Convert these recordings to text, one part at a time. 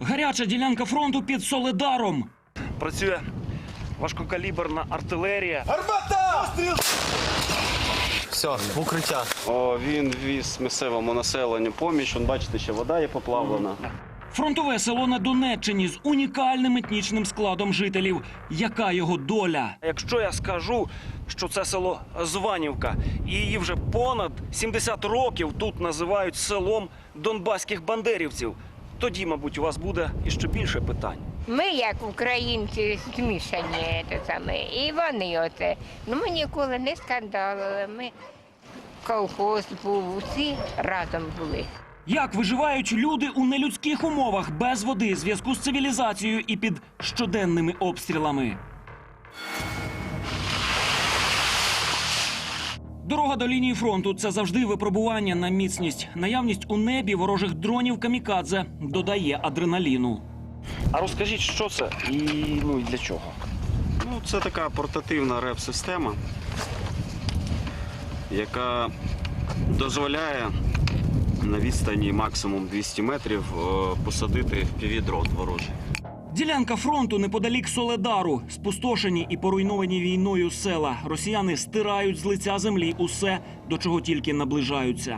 Гаряча ділянка фронту під Солидаром. Працює важкокаліберна артилерія. Армата! Постріл! Все, в укриття. Він віз місцевому населенню поміч. Бачите, ще вода є поплавлена. Фронтове село на Донеччині з унікальним етнічним складом жителів. Яка його доля? Якщо я скажу, що це село Званівка, і її вже понад 70 років тут називають селом донбаських бандерівців, тоді, мабуть, у вас буде іще більше питань. Ми, як українці, змішані, і вони оце. Ми ніколи не скандалили, ми колхоз був, усі разом були. Як виживають люди у нелюдських умовах, без води, зв'язку з цивілізацією і під щоденними обстрілами? Дорога до лінії фронту – це завжди випробування на міцність. Наявність у небі ворожих дронів камікадзе додає адреналіну. А розкажіть, що це і для чого? Це така портативна реп-система, яка дозволяє на відстані максимум 200 метрів посадити FPV-дрон ворожий. Ділянка фронту неподалік Солидару. Спустошені і поруйновані війною села. Росіяни стирають з лиця землі усе, до чого тільки наближаються.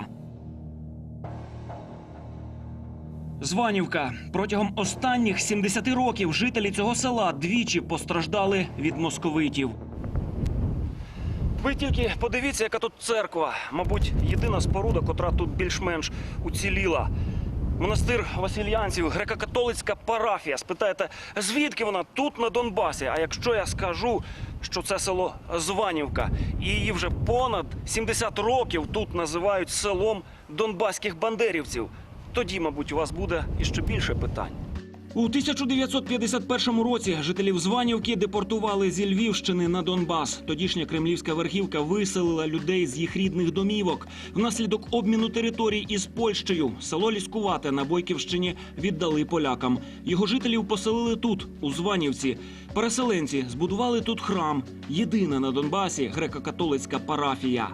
Званівка. Протягом останніх 70 років жителі цього села двічі постраждали від московитів. Ви тільки подивіться, яка тут церква. Мабуть, єдина споруда, котра тут більш-менш уціліла. Монастир Васильянців, греко-католицька парафія. Спитаєте, звідки вона? Тут, на Донбасі. А якщо я скажу, що це село Званівка, і її вже понад 70 років тут називають селом донбаських бандерівців, тоді, мабуть, у вас буде іще більше питань. У 1951 році жителів Званівки депортували зі Львівщини на Донбас. Тодішня кремлівська верхівка виселила людей з їх рідних домівок. Внаслідок обміну територій із Польщею село Ліскувате на Бойківщині віддали полякам. Його жителів поселили тут, у Званівці. Переселенці збудували тут храм. Єдина на Донбасі греко-католицька парафія.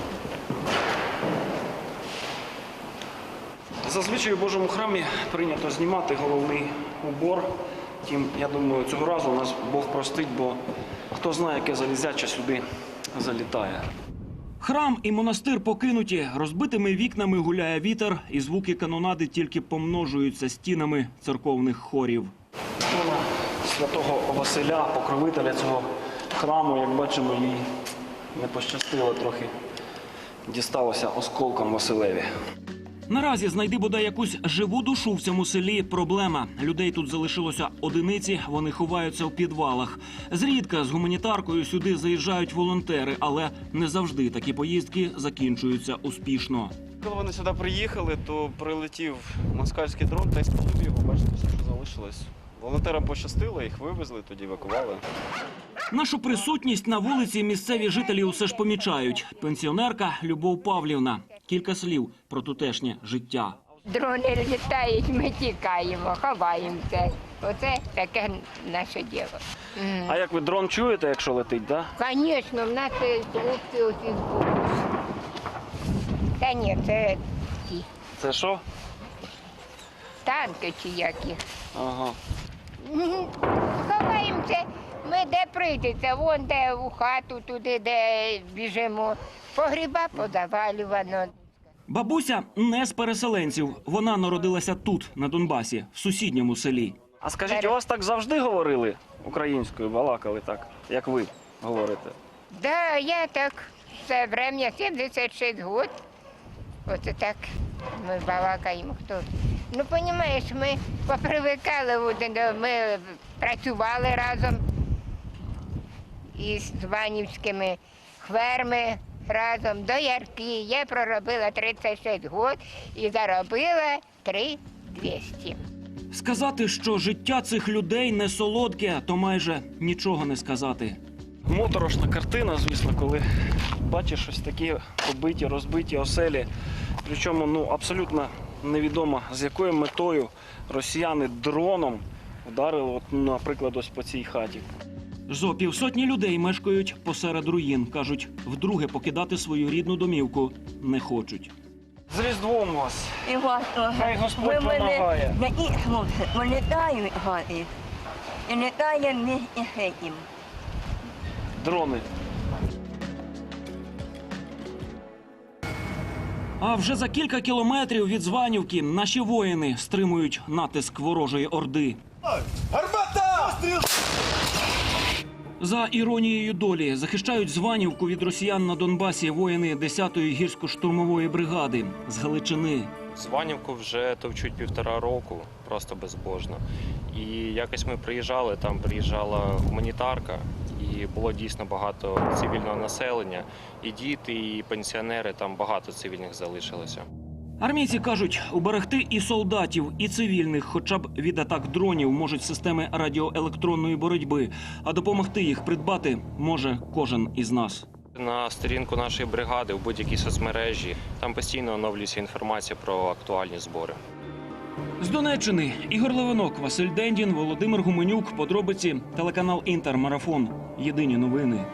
Зазвичай у Божому храмі прийнято знімати головний убор. Втім, я думаю, цього разу нас Бог простить, бо хто знає, яке залізяче сюди залітає. Храм і монастир покинуті. Розбитими вікнами гуляє вітер, і звуки канонади тільки помножуються стінами церковних хорів. Ікона святого Василя, покровителя цього храму, як бачимо, їй не пощастило трохи. Дісталося осколком Василеві. Наразі знайди бодай якусь живу душу в цьому селі – проблема. Людей тут залишилося одиниці, вони ховаються в підвалах. Зрідка з гуманітаркою сюди заїжджають волонтери, але не завжди такі поїздки закінчуються успішно. Коли вони сюди приїхали, то прилетів москальський дрон та й спалив його. Бачите, все, що залишилось. Волонтерам пощастило, їх вивезли, тоді евакували. Нашу присутність на вулиці місцеві жителі усе ж помічають. Пенсіонерка Любов Павлівна. Кілька слів про тутешнє життя. Дрони літають, ми тікаємо, ховаємося. Оце таке наше діло. А як ви дрон чуєте, якщо летить, так? Звісно, в нас хлопці усі збудуть. Та ні, це ті Це що? танки чи які. Ага. Ховаємося, ми де прийдеться, вон де у хату, туди, де біжимо. Погріба позавалювано. Бабуся не з переселенців. Вона народилася тут, на Донбасі, в сусідньому селі. А скажіть, у вас так завжди говорили українською, балакали так, як ви говорите? Да, я так все время, 76 років. Оце так ми балакаємо. Хто? Ну, розумієш, ми попривикали, ми працювали разом із званівськими хверми разом до Ярки. Я проробила 36 років і заробила 3200. Сказати, що життя цих людей не солодке, то майже нічого не сказати. Моторошна картина, звісно, коли бачиш ось такі побиті, розбиті оселі. Причому абсолютно невідомо, з якою метою росіяни дроном вдарили, наприклад, ось по цій хаті. Зо півсотні людей мешкають посеред руїн. Кажуть, вдруге покидати свою рідну домівку не хочуть. З Різдвом вас. І вас теж. Хай Господь Ви мене помагає. такі хлопці, вилітають гарні. І літає місті з цим. Дрони. А вже за кілька кілометрів від Званівки наші воїни стримують натиск ворожої орди. За іронією долі захищають Званівку від росіян на Донбасі воїни 10-ї гірсько-штурмової бригади з Галичини. Званівку вже товчуть 1,5 року, просто безбожно. І якось ми приїжджали, там приїжджала гуманітарка, і було дійсно багато цивільного населення. І діти, і пенсіонери, там багато цивільних залишилося. Армійці кажуть, уберегти і солдатів, і цивільних хоча б від атак дронів можуть системи радіоелектронної боротьби, а допомогти їх придбати може кожен із нас. На сторінку нашої бригади, в будь-якій соцмережі, там постійно оновлюється інформація про актуальні збори. З Донеччини Ігор Левинок, Василь Дендін, Володимир Гуменюк. Подробиці телеканал Інтер. Марафон. Єдині новини.